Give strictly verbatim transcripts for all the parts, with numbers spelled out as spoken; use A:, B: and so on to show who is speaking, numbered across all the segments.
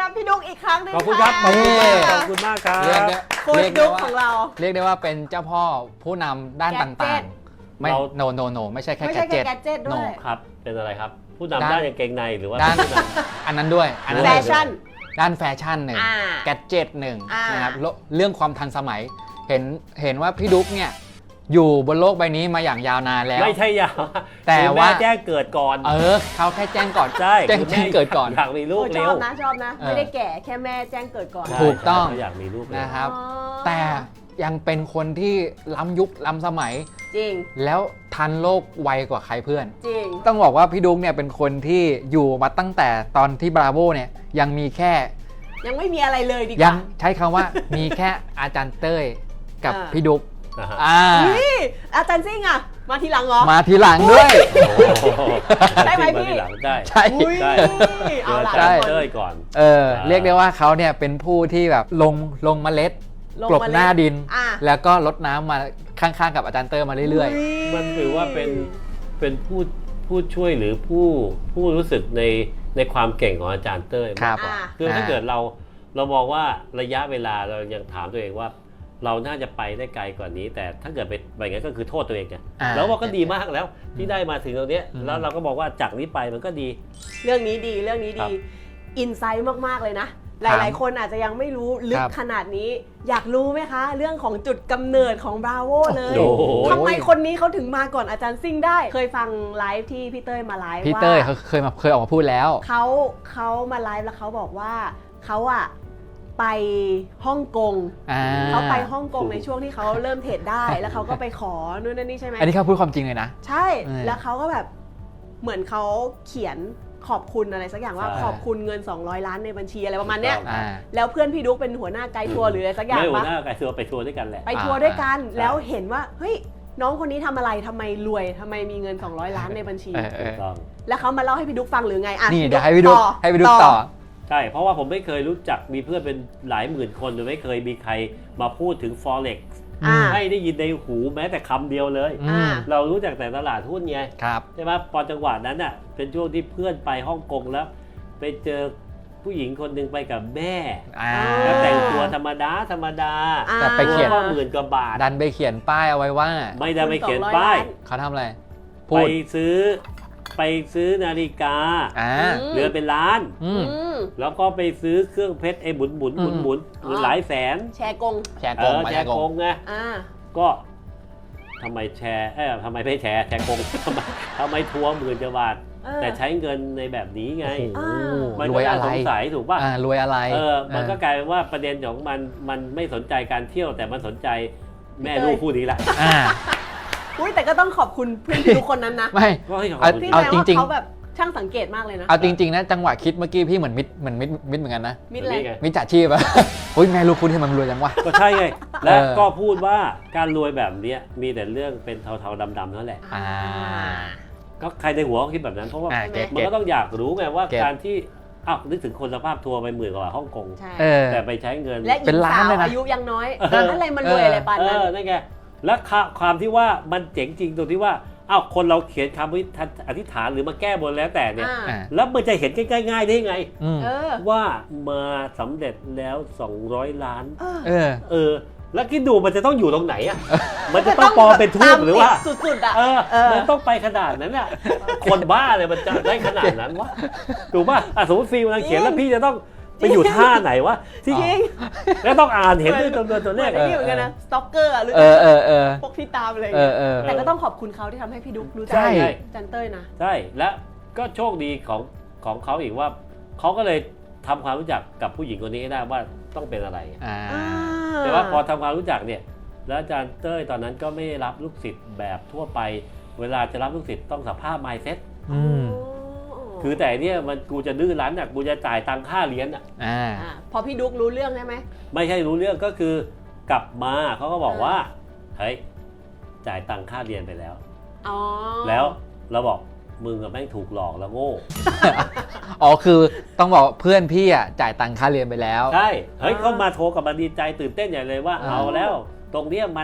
A: รับพี่ดุ๊กอีกครั้งหนึง
B: ขอบคุณครับขอบคุณมากขอบคุณมากครับ
C: เรียกได้
A: โค้ชดุ๊กของเรา
C: เรียกได้ว่าเป็นเจ้าพ่อผู้นำด้านต่างๆ ไม่
B: เรา
C: โนโนโนไม่ใช่แค่
A: ไม่
C: แก
A: ใช่แค่
C: เจ็ต
A: แกดเจ็ตด้วย
B: ครับเป็นอะไรครับ ผู้
C: ด้าน
B: นำด้านกางเกงในหรือว่า
C: ด้าน
B: ผู้น
C: อันนั้นด้วยอันนั้น
A: แฟ
C: เลย
A: ชั่น
C: ด้านแฟชั่นหนึ่ง
A: อ่า
C: แกดเจ็ตหนึ่ง
A: อ่าน
C: นะครับเรื่องเรื่องความทันสมัย เห็นเห็นว่าพี่ดุ๊กเนี่ยอยู่บนโลกใบนี้มาอย่างยาวนานแล้
B: ำ
C: ว
B: ไม่ใช่ยาว
C: แต่
B: คือ
C: ว่า
B: แม่แจ้งเกิดก่อน
C: เออเขาแค่แจ้งก่อน
B: ใช่
C: แจ้ง
B: คือ
C: แจ้งเกิดก่อน
B: อยากมีลูก
A: โอ้ช
B: เร็
A: อ
B: ว
A: บนะชอบนะ
C: เออ
A: ไม่ได้แก่แค่แม่แจ้งเกิดก่อน
B: ใช่
C: ถูกต้อง
B: เขาอยากมีลูกเร็ว
C: นะครับ
A: อ๋อ
C: แต่ยังเป็นคนที่ล้ำยุคล้ำสมัย
A: จริง
C: แล้วทันโลกไวกว่าใครเพื่อน
A: จริง
C: ต้องบอกว่าพี่ดุ๊กเนี่ยเป็นคนที่อยู่มาตั้งแต่ตอนที่บราโวเนี่ยยังมีแค่
A: ยังไม่มีอะไรเลยดีก
C: ยั
A: ว่า
C: งใช้คำว่า มีแค่อาจารย์เต้ยกับ
A: อ่า
C: พี่ดุ๊ก
B: นะฮะ
C: อ่า
A: นี่อาจารย์ซิ่งอะมาทีหลังเหรอ
C: มาทีหลังด้วย
B: โอ้โห
A: ได้ไหมพี่
B: าทีลังได้
C: ใช่
A: อุ้ย
B: ได้
A: เอาล่ะ
B: เจอ
A: ทุ
B: อาก
A: คน
B: เต้ยก่อน
C: เออเรียกได้ว่าเขาเนี่ยเป็นผู้ที่แบบลงลงเมล็ด
A: ลง
C: กลบ
A: มาเลย
C: หน้าดิน
A: อ่ะ
C: แล้วก็ลดน้ำมาข้างๆกับอาจารย์เต้ยมาเรื่อย
B: มันถือว่าเป็นเป็นผู้ผู้ช่วยหรือผู้ผู้รู้สึกในในความเก่งของอาจารย์เต้ย
C: ๆ ครับ
A: อ่ะ
B: คือถ้าเกิดเราเรามองว่าระยะเวลาเรายังถามตัวเองว่า เราน่าจะไปได้ไกลกว่านี้ แต่ถ้าเกิดไปแบบนั้นก็คือโทษตัวเองไง
C: อ่า
B: แล้วว่าก็ดีมากแล้วที่ได้มาถึงตรงเนี้ย
C: อืม
B: แล้วเราก็บอกว่าจากนี้ไปมันก็ดี
A: เรื่องนี้ดีเรื่องนี้
B: ครั
A: ดี
B: บ
A: อินไซต์มาก ๆ เลยนะ ห
C: ครับ
A: ลาย ๆ คนอาจจะยังไม่รู้ลึ
C: ค
A: ก
C: รับ
A: ขนาดนี้ อยากรู้ไหมคะ เรื่องของจุดกำเนิดของบราโวเลย
B: โอ้โห
A: ทำไมคนนี้เขาถึงมาก่อนอาจารย์ซิ่งได้ เคยฟังไลฟ์ที่พี่เต้ยมาไลฟ์
C: พี่
A: ว่า
C: เต้ยเขาเคยมาเคยออกมาพูดแล้ว
A: เขาเขามาไลฟ์แล้วเขาบอกว่าเขาอะไปฮ่องกง
C: อ่า
A: เขาไปฮ่องกงในช่วงที่เขาเริ่มเทรดได้ แล้วเขาก็ไปขอนู่นนั่นนี่ใช่ไหม
C: อันนี้เขาพูดความจริงเลยนะ
A: ใช่
C: เออ
A: แล้วเขาก็แบบเหมือนเขาเขียนขอบคุณอะไรสักอย่างว่า
B: ใช่
A: ขอบคุณเงินสองร้อยล้านในบัญชีอะไรประมาณเนี้ย
B: ถูกต้อง
C: อ่า
A: แล้วเพื่อนพี่ดุ๊กเป็นหัวหน้าไกด์ทัวร์หรืออะไรสักอย่าง
B: ไม่หัว
A: ปะ
B: หน้าไก่ทัวร์ไปทัวร์ด้วยกันแหละ
A: ไปทัวร์ด้วยกัน
B: ใช่
A: แล้วเห็นว่าเฮ้ยน้องคนนี้ทำอะไรทำไมรวยทำไมมีเงินสองร้อยล้านในบัญชี
C: เออเอ
B: ถู
C: อก
B: ต้อง
A: แล้วเขามาเล่าให้พี่ดุ๊กฟังหรือไงอ่ะ
C: นี่เดี๋ยวให้พี่ดุ๊กให้พี่ดุ๊กต่อ
B: ใช่เพราะว่าผมไม่เคยรู้จักมีเพื่อนเป็นหลายหมื่นคนโดยไม่เคยมีใครมาพูดถึง Forex
A: อ่า
B: ให้ได้ยินในหูแม้แต่คำเดียวเลย
C: อื
A: อ่า
C: ม
B: เรารู้จักแต่ตลาดหุ้นไง
C: ครับ
B: ใช่ไหมพอจังหวะนั้นอ่ะเป็นช่วงที่เพื่อนไปฮ่องกงแล้ว ไปเจอผู้หญิงคนหนึ่งไปกับแม่
C: อ่า
B: แล้วแต่งตัวธรรมดาธรรมดา
A: อ่า
C: แต่ไปเขียน
B: ตัวก็หมื่นกว่าบาท
C: ดันไปเขียนป้ายเอาไว้ว่า
B: ไม่ได้ไปเขียน
A: สองร้อย
B: ป้าย
A: ล้าน
C: เขาทำอะไร
B: ไป
C: พูด
B: ซื้อไปซื้อนาฬิกา
C: อ่า
A: อืม
B: เรือนเป็นล้าน
C: อืม
A: อืม
B: แล้วก็ไปซื้อเครื่องเพชรไอ้หมุนหมุนหมุนหมุนหมุนหลายแสน
A: แชร์กง
C: แชร์
B: เอก
C: ง
B: อ
C: มา
B: แช
C: แช
B: ร์
C: ร์
B: โก
C: ก
B: ง
C: ง
B: ไง
A: อ่า
B: ก็ทำไมแชร์เอ้ยทำไมไม่แชร์แชร์โกง ทำไมทำไมทัวร์หมื่นกว่าบาท
A: เออ
B: แต่ใช้เงินในแบบนี้ไง
C: โอ้โห
A: อ่า
B: มัน
C: ร
B: ก็
C: วย
B: น่า
C: อะไร
B: สงสัยถูกป่ะ
C: อ่ารวยอะไร
B: เออมันก็กลายเป็นว่าประเด็นของมันมันไม่สนใจการเที่ยวแต่มันสนใจแม่ลูกคู่นี้แหละ
C: อ่า
A: อุ้ยแต่ก็ต้องขอบคุณเพื่อนพี่ดุ๊กคนนั้นนะ
C: ไม่
B: ก็ให้ขอบ
C: เอา
B: คุณ
A: พี่
C: เอา
A: แปล
C: จ
A: ว่า
C: ริงๆ
A: เขาแบบช่างสังเกตมากเลยนะ
C: เอาจริงๆนะจังหวะคิดเมื่อกี้พี่เหมือนมิดเหมือนมิดมิดเหมือนกันนะ
A: มิดอะไร
B: นี่ไง
C: มิจฉาชีพอะ อุ้ยแม่ลูกคุณที่มันรวยจังวะ
B: ก็ใช่ไง และ
C: เออ
B: ก็พูดว่าการรวยแบบเนี้ยมีแต่เรื่องเป็นเทาๆดำๆนั่นแหละ
C: อ่า
B: ก็ใครในหัวก็คิดแบบนั้นเพราะว่า
C: อ่า
A: เก็ต
B: มันก็ต้องอยากรู้ไงว่า
C: เก็ต
B: การที่อ้าวนึกถึงคนสภาพทัวร์ไปหมื่นกว่าบาทฮ่องกง
A: ใช่
C: เออ
B: แต่ไปใช้เงิน
A: และหญิ
C: เป็น
A: ง
C: ล้า
A: สาน ว
C: เลยนะ
A: อายุยังน้อย
B: เออ
A: อะไรมันรวยอะไรปาน
B: เอ
A: นั้น
B: อนั่นไงและความที่ว่ามันเจ๋งจริงตรงที่ว่าอ้าวคนเราเขียนคำอธิษฐานหรือมาแก้บนแล้วแต่เนี่ย
A: อ่า
C: อ่า
B: แล้วมันจะเห็นง่ายๆได้ไง
C: อืม
A: เออ
B: ว่ามาสำเร็จแล้วสองร้อยล้าน
A: เออ
C: เออ
B: เออ แล้วคิดดูมันจะต้องอยู่ตรงไหนอ่ะ มันจะต้องปลอมเป็นทูบหรือว่า
A: ตมติดสุดๆอ่ะ
B: เออ
A: เออ
B: มันต้องไปขนาดนั้นอ่ะ คนบ้าเลยมันจะได้ขนาดนั้นวะ ถูกป่ะอ่ะสมมติฟิล์มกำลังเขียนแล้วพี่จะต้องไปอยู่ท่าไหนวะ ที่
A: จริง
B: แล้วต้องอ่านเห็นด้วยตัวตัวเลข
A: เหมือนไอ้นี่เหมือนกันนะสต็อกเกอร์หรือ
C: เออเออเออ
A: พวกที่ตามอะไรอย่าง
C: เอ
A: เงี้
C: อย เออ
A: แต่ก็ต้องขอบคุณเขาที่ทำให้พี่ดุ๊กรู้จั
C: ใช่
A: จันเต้ยนะ
B: ใช่ และก็โชคดีของของเขาอีกว่าเขาก็เลยทำความรู้จักกับผู้หญิงคนนี้ให้ได้ว่าต้องเป็นอะไร
C: อ่า
B: แต่ว่าพอทำความรู้จักเนี่ย แล้วอาจารย์เต้ยตอนนั้นก็ไม่ได้รับลูกศิษย์แบบทั่วไป เวลาจะรับลูกศิษย์ต้องสัมภาษณ์ mindset
C: อืม
B: คือแต่เนี่ยมันกูจะดื้อรั้นอ่ะกูจะจ่ายตังค่าเรียนอ่ะ
C: อ่า
A: อ่าพอพี่ดุ๊กรู้เรื่องใช่ไหม
B: ไม่ใช่รู้เรื่องก็คือกลับมาเขาก็บอกว่าเฮ้ยจ่ายตังค่าเรียนไปแล้ว
A: อ๋อ
B: แล้วเราบอกมึงกับแม่งถูกหลอกแล้วโง่
C: อ๋อคือต้องบอกเพื่อนพี่อ่ะจ่ายตังค่าเรียนไปแล้ว
B: ใช่เฮ้ยเขามาโทรกับมาดีใจตื่นเต้นใหญ่เลยว่า
C: อ่า
B: เอาแล้ว ตรงเนี้ยมัน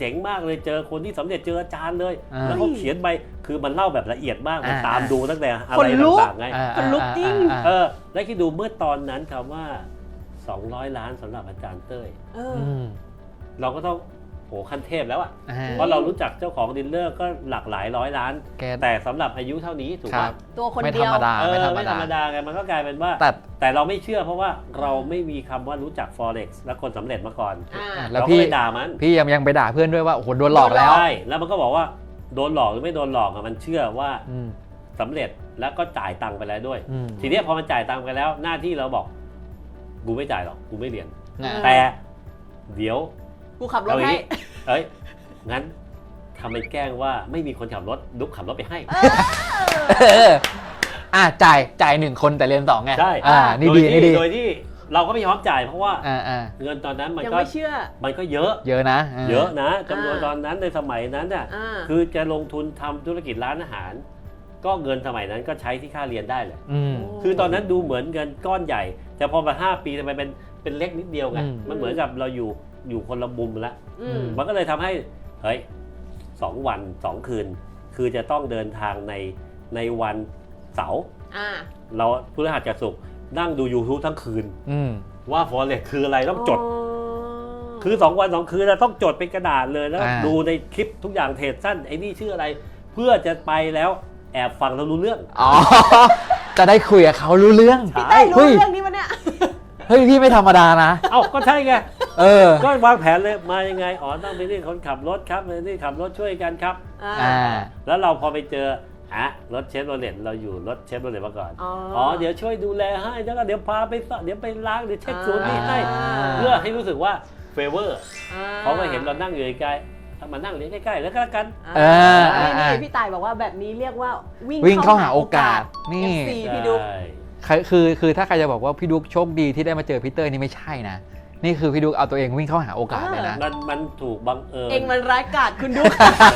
B: เจ๋งมากเลยเจอคนที่สำเร็จเจออาจารย์เลย
C: อ่า
B: แล้วเขาเขียนไปคือมันเล่าแบบละเอียดมากมัน
C: อ่า
B: ตามดูตั้งแต่อะ
A: ค
B: ไร
A: นลุก
B: ต่างๆไง
C: อ่า
A: คนลุกจริง
C: อ่า
B: เออแล้วคิดดูเมื่อตอนนั้นคำว่าสองร้อยล้านสำหรับอาจารย์เต้ย
A: เออ
C: อืม
B: เราก็ต้องโหขั้นเทพแล้วอะ
C: อ่า
B: เพราะเรารู้จักเจ้าของดิลเลอร์ก็หลากหลายร้อยล้าน
C: แก
B: แต่สำหรับอายุเท่านี้ถูก
C: ครั
B: ป่ะ
C: บ
A: ตัวคน
C: ไม่
A: เดี
C: ธร
A: ยว
C: รมดา
B: เออ
C: ไม่ธรรม
B: ไม่ธรรม
C: ดา
B: ดาไงมันก็กลายเป็นว่า
C: แต่
B: แต่เราไม่เชื่อเพราะว่าเราไม่มีคำว่ารู้จัก forex และคนสำเร็จมาก่อน
A: อ่า
C: แล้ว
B: เราก็
C: พี่
B: เลยด่ามัน
C: พี่ยังยังไปด่าเพื่อนด้วยว่าโอ้โหโดนหลอกแล้ว
B: ใช่แล้วมันก็บอกว่าโดนหลอกหรือไม่โดนหลอกอะมันเชื่อว่า
C: อืม
B: สำเร็จแล้วก็จ่ายตังค์ไปแล้วด้วย
C: อืม
B: ทีเนี้ยพอมันจ่ายตังค์ไปแล้วหน้าที่เราบอกกูไม่จ่ายหรอกกูไม่เรียน
C: นะ
B: แต่เดี๋ยว
A: กูขับรถ
B: เอาอย่าง
A: ให้
B: นี้เอ้ยงั้นทำเป็นแกล้งว่าไม่มีคนขับรถดุ๊กขับรถไปให้
C: เอออ่ะจ่ายจ่ายหนึ่งคนแต่เรียนสองไง
B: ใช่
C: อ่านี่
B: โด
C: ดี
B: ย
C: นี่
B: ที่
C: ดี
B: โดยที่เราก็ไม่ยอมจ่ายเพราะว่า
C: อ่าอ่า
B: เงินตอนนั้นมัน
A: ยัง
B: ก็
A: ไม่เชื่อ
B: มันก็เยอะ
C: เยอะนะา
B: เยอะนะจำนวน
A: อ่า
B: ตอนนั้นในสมัยนั้นน่ะ
A: อ่า
B: คือจะลงทุนทำธุรกิจร้านอาหาร ก็เงินสมัยนั้นก็ใช้ที่ค่าเรียนได้เลย
C: อืม
B: คือตอนนั้นดูเหมือนเงินก้อนใหญ่ แต่พอมาห้าปีทำไมเป็นเป็นเล็กนิดเดียวไง
C: อืม
B: มันเหมือนกับเราอยู่อยู่คนละมุมแล้ว
A: อืม
B: มันก็เลยทำให้เฮ้ยสองวันสองคืน คือจะต้องเดินทางในในวันเสาร์
A: อ่า
B: เราพฤหัสกับศุกร์นั่งดู YouTube ทั้งคืน
C: อืม
B: ว่า Forex คืออะไรต้องจด
A: อ๋อ
B: คือสองวันสองคืนเราต้องจดเป็นกระดาษเลยแล้ว
C: อ่า
B: ดูในคลิปทุกอย่างเทรดสั้นไอ้นี่ชื่ออะไร เพื่อจะไปแล้วแอบฟังแล้วรู้เรื่อง
C: อ๋อ จะได้คุยกับเขารู้เรื่อง
A: พี่เต้ยรู้
C: เฮ้ย
A: เรื่องนี้ปะเนี่ย
C: เฮ้ยพี่ไม่ธรรมดานะ
B: เอ้าก็ใช่ไง
C: เออ
B: ก็วางแผนเลยมายังไงอ๋อต้องไปนี่คนขับรถครับไปนี่ขับรถช่วยกันครับ
A: อ่า
C: อ่า
B: แล้วเราพอไปเจอฮะรถเชฟโรเลตเราอยู่รถเชฟโรเลตมาก่อน
A: อ๋อ
B: อ๋อเดี๋ยวช่วยดูแลให้แล้วก็เดี๋ยวพาไปสเดี๋ยวไปล้างเดี๋ยวเช็คศูนย์นี่ให้
A: อ่า
B: เพื่อให้รู้สึกว่าเฟเวอร์
A: อ่
B: เขาก็เห็นเรานั่งอยู่ใกล้ๆถ้ามานั่งเรียนใกล้ๆแล้วก็แล้วกัน
A: อ่า
C: เอออ่า
A: นี่
C: อ่า
A: นี่พี่ต่ายบอกว่าแบบนี้เรียกว่าวิ่ง
C: วิ่งเข้าหาโอกาสนี่
A: เอฟซีพี่ดุ๊ก
B: ใช่
C: ใครคือคือถ้าใครจะบอกว่าพี่ดุ๊กโชคดีที่ได้มาเจอพี่เต้ยนี่ไม่ใช่นะ นี่คือพี่ดุ๊กเอาตัวเองวิ่งเข้าหาโอกาสเลยนะ
B: มันมันถูกบังเอิญ
A: เองมันร้ายกาจคุณดุ๊ก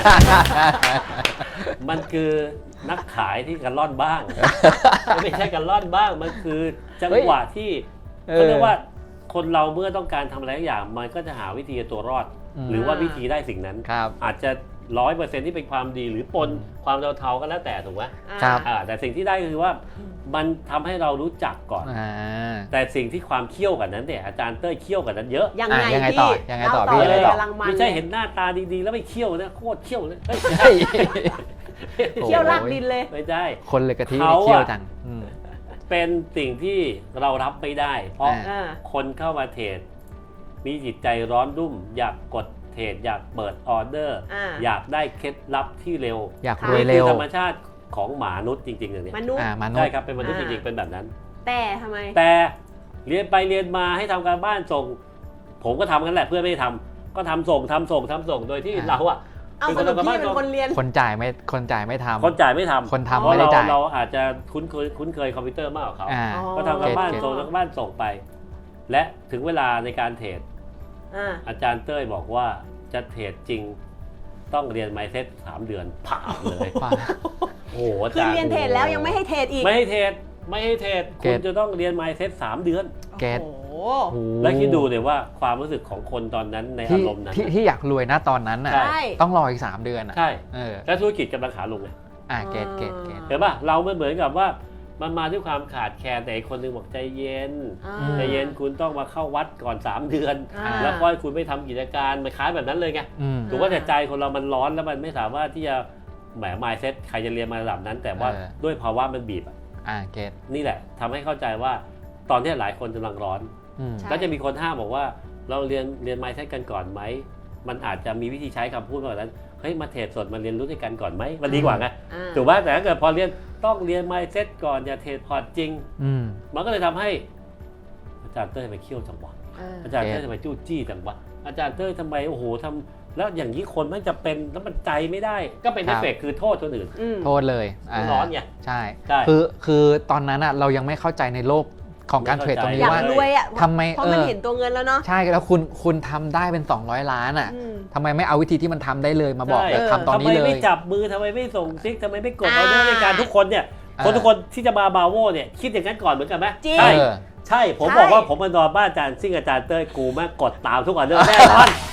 B: มันคือนักขายที่กันล่อนบ้าง ไม่ใช่กันล่อนบ้าง มันคือจังหวะที่
C: เออ
B: เขาเรียกว่าคนเราเมื่อต้องการทำอะไรสักอย่าง มันก็จะหาวิธีเอาตัวรอด
C: อืม
B: หรือว่าวิธีได้สิ่งนั้น
C: ครับ
B: อาจจะร้อยเปอร์เซ็นต์ที่เป็นความดีหรือปน
C: อืม
B: ความเทาๆก็แล้วแต่ถูกไหม
C: ครับ
B: อ่าแต่สิ่งที่ได้ก็คือว่ามันทำให้เรารู้จักก่อน
C: อ่า
B: แต่สิ่งที่ความเขี้ยวกันนั้นเนี่ยอาจารย์เต้ยเขี้ยวกันนั้นเยอะ
A: ยัง
C: อ่ะ
A: ไง
C: ยังไง
A: พี่
C: ต่อยังไงต่อ
A: เล่า
C: พี่ยังไง
A: เลย
C: ต่อ
A: กำลังมัน
B: ไม่ใช่เห็นหน้าตาดีๆ แล้วไม่เขี้ยวนะโคตรเขี้ยวเลยเอ้ย
C: เฮ้ย
A: เที่ยวลากดินเลย
B: ไม่ได้
C: คนเลยกะทิ
B: เขาอะ
C: เที่ยวจังอืม
B: เป็นสิ่งที่เรารับไม่ได้ เพราะ
C: อ่า
A: อ่า
B: คนเข้ามาเทรดมีจิตใจร้อนรุ่ม อยากกดเทรดอยากเปิดออเดอร์
A: อ่า
B: อยากได้เคล็ดลับที่เร็ว
C: อยาก
A: ค่ะ
C: รวย
B: นี่
C: เร็
B: คือ
C: ว
B: ธรรมชาติของหมานุษย์จริงๆอย่างนี้
A: มนุษย์
C: อ่ามนุษ
B: ใช่
C: ย์
B: ครับเป็นมนุษย์จ
A: อ่า
B: ริงๆเป็นแบบนั้น
A: แต่ทำไม
B: แต่เรียนไปเรียนมาให้ทำการบ้านส่ง ผมก็ทำกันแหละเพื่อนไม่ได้ทำก็ทำส่งทำส่งทำส่งโดยที่
C: อ่า
B: เราอะ
A: เอาสรุปพี่เป็นคนเรียน
C: คนจ่ายไม่คนจ่ายไม่ทำ
B: คนจ่ายไม่ทำ
C: คนทำ
B: เพราะ
C: ไม่ได้
B: เรา
C: จ่าย
B: เราอาจจะคุ้นเคยคุ้นเคยคอมพิวเตอร์มากกว่าเขา
C: อ่า
A: อ๋อ
B: ก็ทำการบ้าน
C: เก็ต
B: ส่งทำการบ้านส่งไป และถึงเวลาในการเทรด
A: อ่า
B: อาจารย์เต้ยบอกว่าจะเทรดจริงต้องเรียนไมเซ็ตสามเดือนผ่านเลย
C: ป่ะ
B: โอ้โหอา
A: คือ
B: จารย์
A: เรียนเทรดแล้วยังไม่ให้เทรดอีก
B: ไม่ให้เทรดไม่ให้เทรด
C: เก็
B: คุณ
C: ต
B: จะต้องเรียนไมเซ็ตสามเดือน
C: เก็ต
A: โอ้โห
C: โอ้โห
B: แล้วคิดดูเลยว่าความรู้สึกของคนตอนนั้นใน
C: ที่
B: อารมณ์นั้น
C: ที่ที่อยากรวยนะตอนนั้นน่ะ
B: ใช่
A: ใช่
C: ต้องรออีกสามเดือนอ่ะ
B: ใช่
C: เออ
B: และธุรกิจกำลังขาลงเลย
C: อ่าเกตเกตเกต
B: เห็นป่ะเราไม่เหมือนกับว่ามันมาด้วยความขาดแคลนแต่อีกคนนึงบอกใจเย็น
A: อ่า
C: อืม
B: ใจเย็นคุณต้องมาเข้าวัดก่อนสามเดือน
A: อ่า
B: แล้วค่อยคุณไม่ทำกิจการมันคล้ายแบบนั้นเลยไง
C: อืม
B: ถูกว่าแต่ใจคนเรามันร้อนแล้วมันไม่สามารถที่จะแหม mindset ใครจะเรียนมาระดับนั้น แต่ว่า
C: เออ
B: ด้วยภาวะมันบีบอะ
C: อ่าเกต
B: นี่แหละทำให้เข้าใจว่าตอนที่หลายคนกำลังร้อน
C: อืม
A: ใช่
B: ก็จะมีคนห้ามบอกว่าเราเรียนเรียน mindset กันก่อนไหมมันอาจจะมีวิธีใช้คำพูดแบบนั้นเฮ้ยมาเทรดสดมาเรียนรู้ด้วยกันก่อนไหมมันดีกว่าไง
A: อ่า
B: ถูกป่ะแต่ถ้าเกิดพอเรียนต้องเรียน mindset ก่อนอย่าเทรดพอร์ตจริง
C: อืม
B: มันก็เลยทำให้อาจารย์เต้ยทำไมเขี้ยวจังวะ
A: อ่า
B: อาจารย์
C: เก็
B: เต้
C: ต
B: ยทำไมจู้จี้จังวะอาจารย์เต้ยทำไมโอ้โหทำแล้วอย่างนี้คนมันจะเป็นแล้วมันใจไม่ได้ ก็เป็น
C: ครั
B: เอบ ฟเฟกต์คือโทษคนอื่น
A: อืม
C: โทษเลยอ่า
B: ร้อนไง
C: ใช่
B: ใช่
C: คือคือตอนนั้นอ่ะเรายังไม่เข้าใจในโลกของการเทรดตรง
A: อ
C: นี้
A: ยาก
C: ว่า
A: รวยอ่ะ
C: ทำไม
A: เพราะ
C: เอ
A: มัน
C: อ
A: เห็นตัวเงินแล้วเนาะ
C: ใช่แล้วคุณคุณทำได้เป็นสองร้อยล้านอ่ะ
A: อืม
C: ทำไมไม่เอาวิธีที่มันทำได้เลยมาบอก
B: ใช่
C: เลยทำตอนนี้
B: ทำไม
C: เลย
B: ไม่จับมือทำไมไม่ส่งซิกทำไมไม่กดอ
A: อ่า
B: อเดอร์ในการทุกคนเนี่ย
C: อ่า
B: คนทุกคนที่จะมาบาโวเนี่ยคิดอย่างนั้นก่อนเหมือนกันไหม
A: จริง
B: ใช่
C: เออ
B: ใช่ผม
A: ใช่
B: บอกว่าผมมานอนบ้านอาจารย์ซิ่งอาจารย์เต้ยกูแม่งกดตามทุกออเดอร์แน่นอน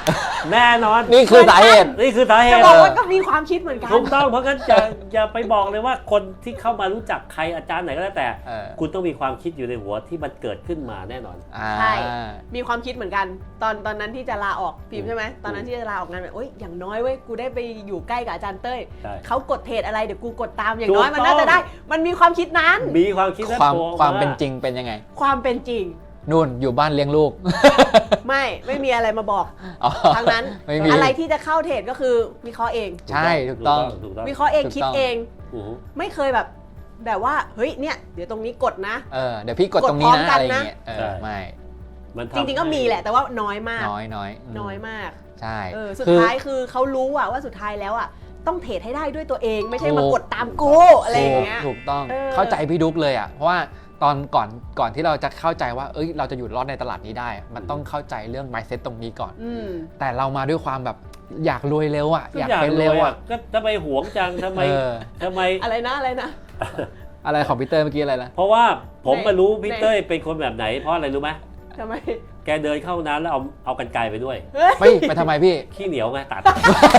B: แน่นอน
C: นี่คือสาเหตุ
B: นี่คือสาเห
A: จะ
B: ตุ
A: บอกว่าก็มีความคิดเหมือนกัน
B: ถูกต้องเพราะงั้นอย่าอย่าไปบอกเลยว่าคนที่เข้ามารู้จักใครอาจารย์ไหนก็แล้วแต่
C: เออ
B: คุณต้องมีความคิดอยู่ในหัวที่มันเกิดขึ้นมาแน่นอน
C: อ่า
A: ใช่ มีความคิดเหมือนกัน ตอนตอนนั้นที่จะลาออกพิมพ์ใช่ไหมตอนนั้นที่จะลาออกงานแบบโอ๊ยอย่างน้อยเว้ยกูได้ไปอยู่ใกล้กับอาจารย์เต้ย
B: ใช่
A: เขากดเพจอะไรเดี๋ยวกูกดตามอย่างน้อย
B: ถูก
A: มันน่า
B: ต้
A: จะ
B: อง
A: ได้ มันมีความคิดนั้น
B: มีความคิดและ
C: ความ
B: ตัว
C: ความเป็นจริงเป็นยังไง
A: ความเป็นจริง
C: นู่นอยู่บ้านเลี้ยงลูก
A: ไม่ไม่มีอะไรมาบอก
C: อ๋อ
A: ทั้งนั้น
C: ไม่มี
A: อะไรที่จะเข้าเทรดก็คือวิเคราะห์เอง
C: ใช่ถูกต้อง
B: ถูกต้อง
A: วิเคราะห์เอง
C: ถูกต้อง
A: คิดเอง
B: อือฮึ
A: ไม่เคยแบบ แบบว่าเฮ้ยเนี่ยเดี๋ยวตรงนี้กดนะ
C: เออเดี๋ยวพี่กดตรงนี้
A: กดพร้อม
C: นะ
A: กัน
C: อะไรอ
A: นะ
C: ย่างเงี้ยเออไม่
B: มันทำ
A: จริงๆก็มีแหละแต่ว่าน้อยมาก
C: น้อยน้อยม
A: น้อยมาก
C: ใช่
A: เออสุด
C: คือ
A: ท้ายคือเขารู้อะว่าสุดท้ายแล้วอะต้องเทรดให้ได้ด้วยตัวเอง ไม่ใช่
C: ถูก
A: มากดตามกูอะไรอย่างเงี้ย
C: ถูกต้อง
A: เออ
C: เข้าใจพี่ดุ๊กเลยอ่ะเพราะว่าตอนก่อนก่อนที่เราจะเข้าใจว่าเอ้ยเราจะอยู่รอดในตลาดนี้ได้ มันต้องเข้าใจเรื่อง mindset ตรงนี้ก่อน
A: อืม
C: แต่เรามาด้วยความแบบอยากรวยเร็วอ่ะ
B: ทุก
C: อยาก
B: อย่าง
C: เป็น
B: เล
C: เร็วย
B: อ่ะ
C: อ่ะ
B: ก็ทำไมหวงจังทำไม
C: เออ
B: ทำไม
A: อะไรนะอะไรนะ
C: อะไรของพีเตอร์เมื่อกี้อะไรนะ
B: เพราะว่าผม
A: ใน
B: มารู้พี่
A: ใน
B: เต้ยเป็นคนแบบไหน เพราะอะไรรู้ไหม
A: ทำไม
B: แกเดินเข้าห้องน้ำแล้วเอาเอากันไกลไปด้วย
C: เฮ้ยไปทำไมพี่
B: ขี้เหนียวไงตัด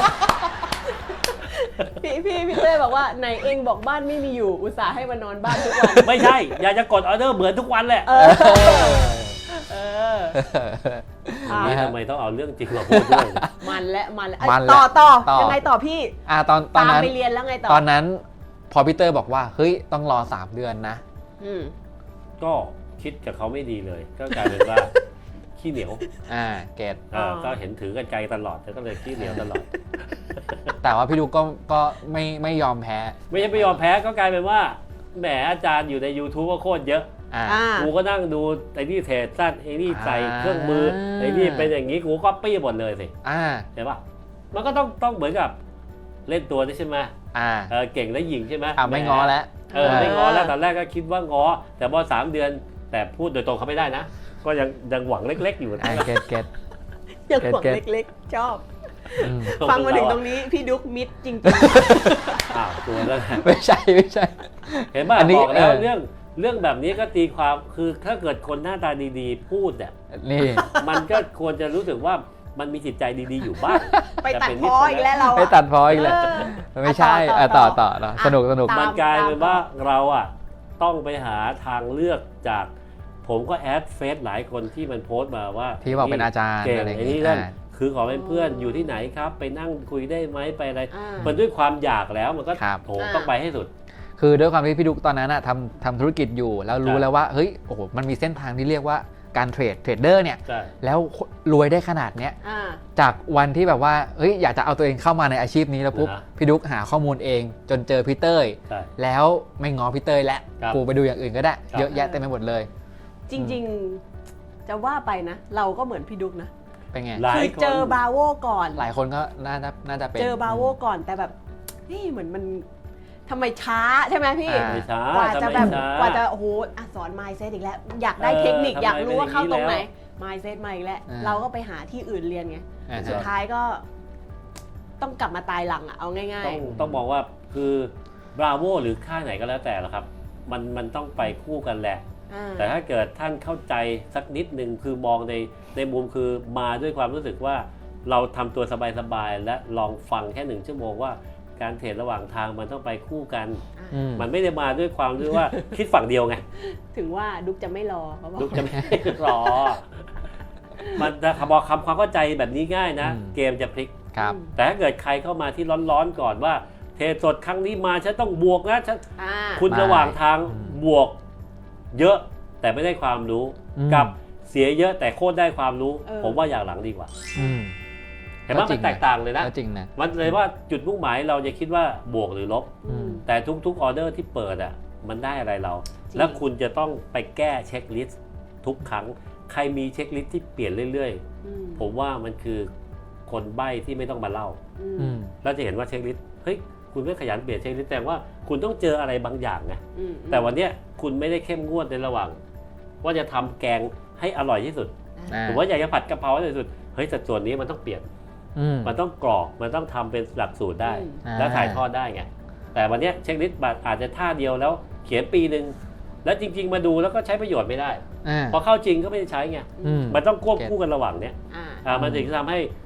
A: พี่พี่พี่เต้ยบอกว่าไหนเองบอกบ้านไม่มีอยู่อุตส่าห์ให้มานอนบ้านทุกวัน
B: ไม่ใช่ อยากจะกดออเดอร์เหมือนทุกวันแหละ
A: เออเออ อ่ะ
B: นี่ทำไมต้องเอาเรื่องจริงมาพูดด้วย
A: มันและมันและ
C: มันและ
A: ต่อต่อ
C: ต่อ
A: ยังไงต่อพี่
C: อ่าตอนตอน
A: ตาม
C: นั้น
A: ไปเรียนแล้วไงต่อ
C: ตอนนั้นพอพีเตอร์บอกว่าเฮ้ยต้องรอสามเดือนนะ
A: อืม
B: ก็คิดกับเขาไม่ดีเลย ก็กลายเป็นว่า ขี้เหนียว
C: อ่าเกต
B: เออก็เห็นถือกันไกลตลอดแล้วก็เลยขี้เหนียวตลอด
C: แต่ว่าพี่ดุ๊กก็ก็ไม่ไม่ยอมแพ้
B: ไม่ใช่ไม่ยอมแพ้ก็กลายเป็นว่าแหมอาจารย์อยู่ใน YouTube ก็โคตรเยอะ
C: อ่า
A: อ่า
B: กูก็นั่งดูไอ้นี่เทรดสั้นไอ้นี่ใส่
C: อ่า
B: เครื่องมือไอ้นี่เป็นอย่างนี้กูก็ปี้หมดเลยสิ
C: อ่า
B: เห็นปะมันก็ต้องต้องเหมือนกับเล่นตัวนี่ใช่ไหม
C: อ่า
B: เออเก่งและหญิงใช่ไหม
C: อ่าไม่ง้อแล้ว
B: เออไม่ง้อแล้วตอนแรกก็คิดว่าง้อแต่พอสามเดือนแต่พูดโดยตรงเขาไม่ได้นะ ก็ยังยังหวังเล็ก ๆ อยู่นะ
C: อ่าเกตเกต
A: ยังหวัง
C: เก็ต
A: เล็กๆ ชอบ
C: อืม
A: ฟังมาถึงตรงนี้พี่ดุ๊กมิดจริง
B: อ้าวตัวแล้วแหละ
C: ไม่ใช่ไม่ใช่
B: เห็นป่ะ
C: อันนี้
B: บอกแล้ว
C: เออ
B: เรื่องเรื่องแบบนี้ก็ตีความคือถ้าเกิดคนหน้าตาดีๆ พูดเนี่ย
C: นี่
B: มันก็ควรจะรู้สึกว่ามันมีจิตใจดีๆอยู่บ้าง
A: ๆ ไปตัด
B: แต่เป็น
A: พออีกแล้วเรา
C: ไปตัดพออีกแล้ว
A: เออ
C: ไม่ใช่
A: ต่
C: อ่ะ
A: อ
C: ต่
A: ต่
C: อ
A: อ
C: ต่อต่อสนุกสนุก
A: ตาม
B: มันกลายเป็น
A: ตาม
B: ว่าเราอ่ะต้องไปหาทางเลือกจาก ผมก็แอดเฟซหลายคนที่มันโพสต์มาว่า
C: ที่บอกเป็นอาจารย์
B: เก่ง
C: อะไรอย่าง
B: ไอ้
C: งี้
B: นี่นั่น
C: อ่า
B: คือขอเป็นเพื่อนอยู่ที่ไหนครับ ไปนั่งคุยได้ไหมไปอะไร
A: อ่า
B: มันด้วยความอยากแล้วมันก็
C: ครับ
B: โถต้องไปให้สุด
C: คือด้วยความที่พี่ดุกตอนนั้นอะทำทำธุรกิจอยู่ แล้วรู้
B: ใช่
C: แล้วว่าเฮ้ยโอ้โหมันมีเส้นทางที่เรียกว่าการเทรดเทรดเดอร์เนี่ย
B: ใช่
C: แล้วรวยได้ขนาดเนี้ย
A: อ่า
C: จากวันที่แบบว่าเฮ้ยอยากจะเอาตัวเองเข้ามาในอาชีพนี้แล้วปุ๊บ
B: นะ
C: พี่ดุกหาข้อมูลเอง จนเจอพี่เต้ย
B: ใช่
C: แล้วไม่ง้อพี่เต้ยแล้ว
B: ครับ
C: กูไปดูอย่างอื่นก็ได้
B: ครับ
C: เยอะแยะเต็มไปหมดเลย
A: จริงๆ จะว่าไปนะ เราก็เหมือนพี่ดุ๊กนะ
C: เป็นไง
B: หลาย
A: คือ
B: คน
A: เจอบาโวก่อน
C: หลายคนก็น่าจะน่าจะเป็น
A: เจอบาโวก่อนแต่แบบเฮ้ยเหมือนมันทำไมช้าใช่ไหมพี่
C: อ่า
B: ไม่ช้าก
A: ว่าจะแบบ
B: ทำไมช้าก
A: ว่าจะโอ้โหอ่ะสอน mindset อีกแล้ว อยากได้
B: เออ
A: เทคนิค
B: ทำไม
A: อยากรู้ว่าเข้าตรงไหน
B: เป็นอย่างนี้
A: mindset มาอีกแล้ว
C: อ่า
A: เราก็ไปหาที่อื่นเรียนไง
C: อ่า
A: สุดท้ายก็ต้องกลับมาตายหลังอะเอาง่าย
B: ต้องต้องมองว่าคือบราโวหรือค่ายไหนก็แล้วแต่ละครับ มันมันต้องไปคู่กันแหละ
A: ๆอ่า
B: แต่ถ้าเกิดท่านเข้าใจสักนิดหนึ่งคือมองในในมุมคือมาด้วยความรู้สึกว่าเราทำตัวสบายๆและลองฟังแค่หนึ่งชั่วโมงว่าการเทรดระหว่างทางมันต้องไปคู่กัน
C: อืม
B: มันไม่ได้มาด้วยความด้วยว่า คิดฝั่งเดียวไง
A: ถึงว่าดุ๊กจะไม่รอเขาบอก
B: ลูกจะไม่รอ มันจะบอกคำความเข้าใจแบบนี้ง่ายนะ
C: อืม
B: เกมจะพลิก
C: ครับ
B: แต่ถ้าเกิดใครเข้ามาที่ร้อนๆก่อนว่าเทรดสดครั้งนี้มาฉันต้องบวกนะฉัน
A: อ่า
B: คุณ
C: ไม่
B: ระหว่างทาง
C: อืม
B: บวกเยอะแต่ไม่ได้ความรู้
C: อืม
B: กับเสียเยอะแต่โคตรได้ความรู้
A: เออ
B: ผมว่าอย่างหลังดีกว่า
C: อืม
B: เห็นไหม
C: ก็จริ
B: มัน
C: ง
B: แตกต่างเลยนะ
C: ก็จริงนะ
B: มันเลยว่าจุดมุ่งหมายเราจะคิดว่าบวกหรือลบ
C: อืม
B: แต่ทุกๆออเดอร์ที่เปิดอ่ะมันได้อะไรเรา
A: จริง
B: แล้วคุณจะต้องไปแก้เช็คลิสต์ทุกครั้ง ใครมีเช็คลิสต์ที่เปลี่ยนเรื่อย
A: อืม
B: ๆ ผมว่ามันคือคนใบ้ที่ไม่ต้องมาเล่า
A: อื
C: อื
A: ม
C: ม
B: เราจะเห็นว่าเช็คลิสต์เฮ้ยคุณไม่ขยันเปลี่ยนเช็คลิสต์แต่ว่าคุณต้องเจออะไรบางอย่างไง
A: อืม
B: แต่วันเนี้ยคุณไม่ได้เข้มงวดในระหว่าง ว่าจะทำแกงให้อร่อยที่สุด
C: อ่า
B: หรือว่าอยากจะผัดกะเพราให้อร่อยที่สุดเฮ้ยสัดส่วนนี้มันต้องเปลี่ยน
C: อืม
B: มันต้องกรอกมันต้องทำเป็นหลักสูตรได้
A: อืม
C: อ่า
B: แล้วถ่ายทอดได้ไงแต่วันเนี้ยเช็คลิสต์อาจจะท่าเดียวแล้วเขียนปีหนึ่งแล้วจริง ๆ มาดูแล้วก็ใช้ประโยชน์ไม่ได้
C: อ่า
B: พอเข้าจริงก็ไม่ได้ใช้ไง
C: อืม
B: มันต้องควบคู่กันระหว่างเนี้ย
A: อ่า
B: อ่ามันถึงจะทำให้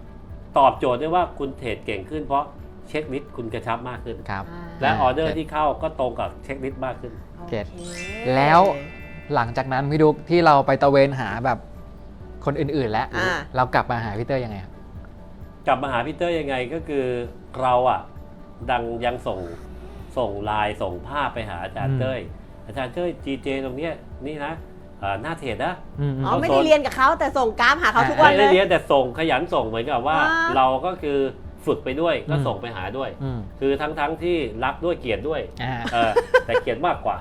B: ตอบโจทย์ได้ว่าคุณเทรดเก่งขึ้นเพราะเช็คลิสต์คุณกระชับมากขึ้น
C: ครับ
A: อ่า
B: และออเดอร์
C: เก็ต
B: ที่เข้าก็ตรงกับเช็คลิสต์มากขึ้น
C: เก็ต
A: โอค
C: แล้ว หลังจากนั้นพี่ดุ๊กที่เราไปตะเวนหาแบบคนอื่นๆแล้ว
A: อ่า
C: เรากลับมาหาพี่เตอร์ยังไงครับ
B: กลับมาหาพีเตอร์ยังไงก็คือเราอ่ะดังยังส่งส่งไลน์ส่งภาพไปหาอาจารย์เต้ยอาจารย์เต้ย จี เจ ตรงเนี้ยนี่นะอ่าหน้าเทรดนะ
C: อืม
A: อ๋อ
B: เขา
A: ไม่ได้เรียนกับเขาแต่ส่งกราฟหาเขาทุกวัน
B: ไม่
A: เล
B: ได้
A: ย
B: เรียนแต่ส่งขยันส่งเหมือนกับว่า
A: อ่า
B: เราก็คือฝึกไปด้วยก็
C: อืม
B: ส่งไปหาด้วย
C: อืม
B: คือทั้งทั้งที่รักด้วยเกลียดด้วย
C: อ่า
B: เออแต่เกลียดมากกว่า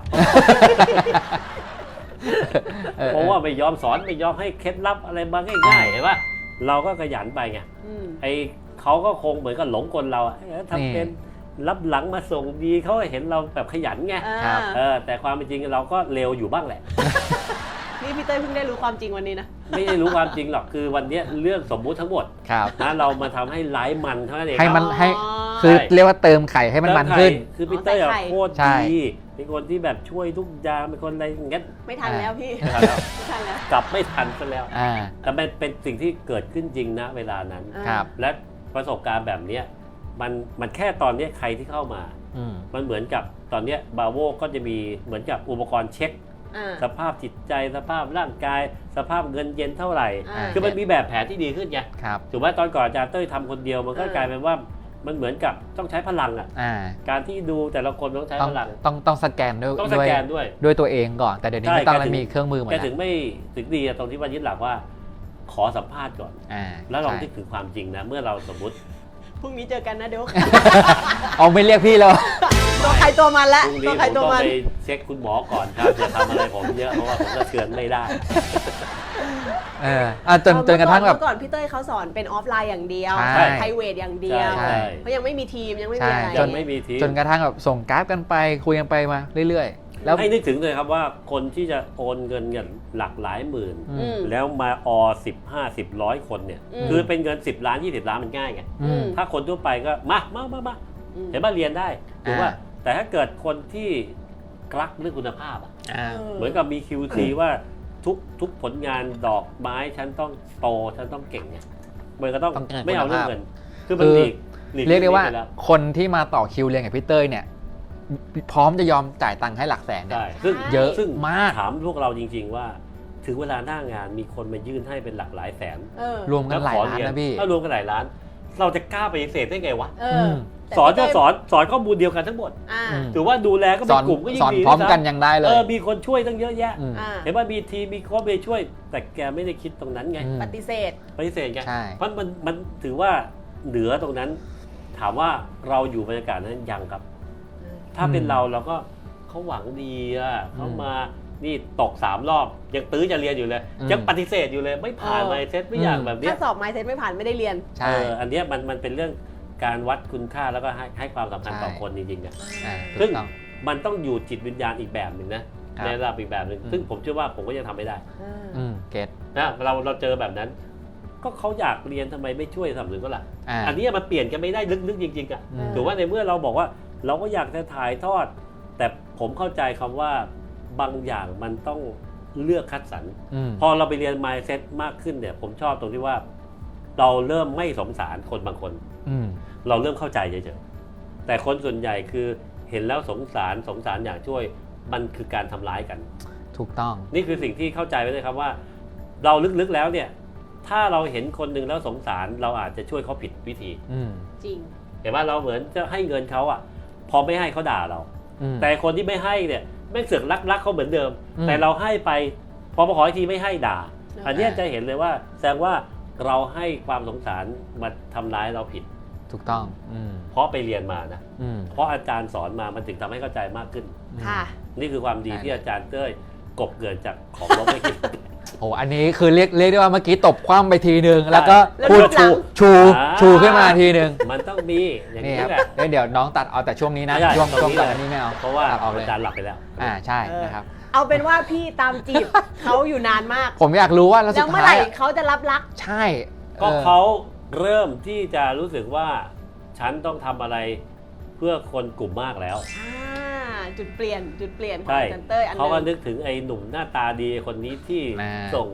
C: ออ
B: เพราะว่าไม่ยอมสอนไม่ยอมให้เคล็ดลับอะไรมาง่ายๆเห็นปะเราก็ขยันไปไง
A: อืม
B: ไอเขาก็คงเหมือนกับหลงกลเราอะเอ้ยทำเป็นรับหลังมาส่งดีเขาเห็นเราแบบขยันไง
A: อ่า
B: เออแต่ความเป็นจริงเราก็เร็วอยู่บ้างแหละ
A: นี่พี่เต้ยเพิ่งได้รู้ความจริงวันนี้นะ
B: ไม่ได้รู้ความจริงหรอกคือวันเนี้ยเรื่องสมมุติทั้งหมด
C: ครับ
B: นะเรามาทำให้ไลฟ์มันเท่านั้นเอง
C: ให้มัน
A: อ๋อ
C: ให้คือเรียกว่าเติมไข่ให้มันมันขึ้น
B: คือพีเตอร์
A: อ๋อ
B: อะ
A: ใส่ไข่
B: โคตร
C: ใช่
B: ดีเป็นคนที่แบบช่วยทุกอย่างเป็นคนอะไรอย่างเงี้ย
A: ไม่ทันแล้วพี่
B: ไม่ทันแล้ว
A: ไม่ทันแล้ว
B: กลับไม่ทันซะแล้ว
C: อ่า
B: แต่มันเป็นสิ่งที่เกิดขึ้นจริงนะเวลานั้น
A: อ่า
C: ครับ
B: และประสบการณ์แบบเนี้ยมันมันแค่ตอนเนี้ยใครที่เข้ามา
C: อืม
B: มันเหมือนกับตอนเนี้ยบาโวก็จะมีเหมือนกับอุปกรณ์เช็ค
A: อ่า
B: สภาพจิตใจสภาพร่างกาย สภาพเงินเย็นเท่าไหร่
A: อ่า
B: คือมันมีแบบแผนที่ดีขึ้นไง
C: ครับ
B: ถูกไหมตอนก่อนอาจารย์เต้ยทำคนเดียวมันก็
A: เออ
B: กลายเป็นว่ามันเหมือนกับต้องใช้พลังอ่ะ
C: อ่า
B: การที่ดูแต่ละคนต้องใช้
C: ต้อง
B: พลัง
C: ต้องต้องสแกนด้วย
B: ต้องส
C: ด้วย
B: แกนด้วย
C: ด้วยตัวเองก่อน แต่เดี๋ยวนี้
B: ใช่
C: ไม่ต้อง
B: แก
C: แล้ว
B: ถึง
C: มีเครื่องมือหมด
B: แก
C: แล้ว
B: ถึงไม่ถึงดีอะตรงที่ว่ายึดหลักว่า ขอสัมภาษณ์ก่อน
C: อ่า
B: แล้วลอง
C: ใช่
B: นึกถึงความจริงนะ เมื่อเราสมมติ
A: พรุ่งนี้เจอกันนะเดี๋ยว
C: เอาไม่เรียกพี่แล้ว
A: ตัวใครตัวมันละ
B: พรุ่ง
A: ตัว
B: นี้
A: ใคร
B: ผม
A: ตัว
B: ต้อง
A: มัน
B: ไปเช็คคุณหมอก่อนครับอย่าทำอะไรผมเยอะเพราะว่าผมก็เชือนไม่ได้
C: เอออ่ะจนจนกระทั่งแบบ
A: เมื่อก่อนพี่เต้ยเขาสอนเป็นออฟไลน์อย่างเดียว
C: ใช่
A: ไพรเวทอย่างเดียว
B: ใช่
A: เพราะยังไม่มีทีมยังไม่มีอะไร
C: ใช่
B: จนไม่มีที
C: จนกระทั่งแบบส่งกราฟกันไปคุยกันไปมาเรื่อยๆ แล้ว
B: ให้นึกถึงเลยครับว่าคนที่จะโอนเงินเงินหลักหลายหมื่น
C: อื
A: อื
C: ม
A: ม
B: แล้วมาอสิบห้าสิบร้อยคนเนี่ย
A: อืม
B: คือเป็นเงินสิบล้านยี่สิบล้านมันง่ายไง
C: อืม
B: ถ้าคนทั่วไปก็มามามามา
A: อืม
B: เห็นว่าเรียนได้ถูกป่ะ
C: อ่า
B: แต่ถ้าเกิดคนที่กลักเรื่องคุณภาพอะ
C: อ่า
B: เหมือนกับมี คิว ซี ว่าทุกทุกผลงานดอกไม้ฉันต้องโตฉันต้องเก่งเนี่ยมันก็ต้อง
C: ต้องเก่ง
B: ไม่เอา
C: คุณ
B: เรื่อ
C: ภาพ
B: งเงิน คือมัน
C: คือ
B: หลีกหลีก
C: เรียกได้ว่า
B: ไปแล้ว
C: คนที่มาต่อคิวเรียนกับพี่เต้ยเนี่ย พร้อมจะยอมจ่ายตังค์ให้หลักแสนเนี่ย
B: ใช่ซึ่ง
C: เยอะ
B: ซึ่ง
C: มาก
B: ถามพวกเราจริง ๆ ว่า ถึงเวลาหน้างานมีคนมายื่นให้เป็นหลักหลายแสน
A: เออ
C: รวมกันหลายล้านนะพี่
B: ถ้ารวมกันหลายล้าน เราจะกล้าปฏิเสธได้ไงวะ
A: เอออ
C: ม
A: แต่
B: สอนก็
A: พี่เต้ย
B: สอนสอนข้อมูลเดียวกันทั้งหมด
A: อ่า
C: อืม
B: ถือว่าดูแลก็
C: ส
B: เป็
C: อน
B: นกลุ่มก็ยิ่
C: สอน
B: งดี
C: พร้อมกัน
B: ด้วย
C: ยังได้เล
B: ซ้ำเอย อมีคนช่วยตั้งเยอะแยะ
C: อืม
A: อ่า
B: เห็นว่ามีทีมมีโค้ชไปช่วย แต่แกไม่ได้คิดตรงนั้นไง
C: อืม
A: ปฏิเสธ
B: ปฏิเสธไง
C: ใช่
B: เพราะมันมันถือว่าเหนือตรงนั้น ถามว่าเราอยู่บรรยากาศนั้นยังครับ ถ้าเป็น
C: อืม
B: เราเราก็เขาหวังดีอ่ะเขา
C: อืม
B: มานี่ตกสามรอบ ยังตื้อจะเรียนอยู่เลย
C: อืม
B: ยังปฏิเสธอยู่เลย ไม่ผ่าน
A: เออ
B: ไมเซ็ตไม่อยาก
C: อืม
B: แบบเนี้
A: ถ้าย สอบไมเซ็ตไม่ผ่านไม่ได้เรียน
C: ใช่
B: เอออันเนี้ยมันมันเป็นเรื่องการวัดคุณค่าแล้วก็ให้ให้ความสำคัญต่อ
C: ใช่
B: คนจริงๆอ่ะ
C: อ่าถู
B: ซึ่ง
C: กต้อง
B: มันต้องอยู่จิตวิญญาณอีกแบบหนึ่งนะครับ ในระดับอีกแบบหนึ่ง
C: อืม
B: ซึ่งผมเชื่อว่าผมก็ยังทำไม่ได้
A: อ่า
C: อืมเก็ต
B: นะเราเราเจอแบบนั้น ก็เขาอยากเรียนทำไมไม่ช่วยสนับสนุนก็ล่ะ
C: อ่า
B: อันเนี้ยมันเปลี่ยนกันไม่ได้ลึกๆจริงๆอ่ะ
C: อืม
B: ถือว่าในเมื่อเราบอกว่าเราก็อยากจะถ่ายทอด แต่ผมเข้าใจคำว่าบางอย่างมันต้องเลือกคัดสรร
C: อืม
B: พอเราไปเรียน mindset มากขึ้นเนี่ย ผมชอบตรงที่ว่า เราเริ่มไม่สงสารคนบางคน
C: อืม
B: เราเริ่มเข้าใจเฉยๆแต่คนส่วนใหญ่คือเห็นแล้วสงสารสงสารอยากช่วยมันคือการทำร้ายกัน
C: ถูกต้อง
B: นี่คือสิ่งที่เข้าใจไว้เลยครับว่า เราลึกๆแล้วเนี่ย ถ้าเราเห็นคนหนึ่งแล้วสงสารเราอาจจะช่วยเขาผิดวิธี
C: อืม
A: จริง
B: เห็นว่าเราเหมือนจะให้เงินเขาอ่ะ พอไม่ให้เขาด่าเรา
C: อืม
B: แต่คนที่ไม่ให้เนี่ยแม่งเสือกรักรักเขาเหมือนเดิม
C: อืม
B: แต่เราให้ไปพอมาขออีกทีไม่ให้ด่า
A: อ่า
B: อันเนี้ยจะเห็นเลยว่าแสดงว่าเราให้ความสงสารมาทำร้ายเราผิด
C: ถูกต้อง อืม
B: เพราะไปเรียนมานะ
C: อืม
B: เพราะอาจารย์สอนมามันถึงทำให้เข้าใจมากขึ้น
A: ค่ะ
B: นี่คือความดี
C: ใช่
B: ที่อาจารย์เต้ยกบเกินจากของลบไม่คิด
C: โห อันนี้คือเรียกเรียกได้ว่าเมื่อกี้ตบคว่ำไปทีนึง แล้วก็
A: แล้ว
C: พูด
A: รูปหลั
C: ชู
A: ง
C: ชู
B: อ่า
C: ชูขึ้นมาทีนึง
B: มันต้องมีอย่าง
C: นี่
B: นี้
C: ครับ
B: แหละ
C: เอ้ยเดี๋ยวน้องตัดเอาแต่ช่วงนี้นะ
B: ไม่ได้
C: ช่วง
B: ตรง
C: ช่วง
B: นี้
C: ก่อน
B: เลย
C: อันนี้ไม่เอา
B: เพราะว่า
C: ตัดออกเลย
B: อาจารย์หลับไปแล้ว
C: อ่า ใช่
A: เออ
C: นะครับ
A: เอาเป็นว่าพี่ตามจีบ เขาอยู่นานมาก
C: ผมอยากรู้ว่าแล้ว
A: แล้
C: สุ
A: ว
C: ด
A: เมื่อไห
C: ท้าย
A: ร่
C: อะ
A: เขาจะรับรัก
C: ใช่
B: ก็
C: ออ
B: เขาเริ่มที่จะรู้สึกว่า ฉันต้องทำอะไรเพื่อคนกลุ่มมากแล้ว
A: อ่า จุดเปลี่ยน จุดเปลี่ยนของ
B: ใช่
A: อาจารย์เต้ยอันห
B: เขาก็
A: นึ
B: นึ
A: ง
B: กถึงไอ้หนุ่มหน้าตาดีคนนี้ที่
C: น่า
B: ส่ง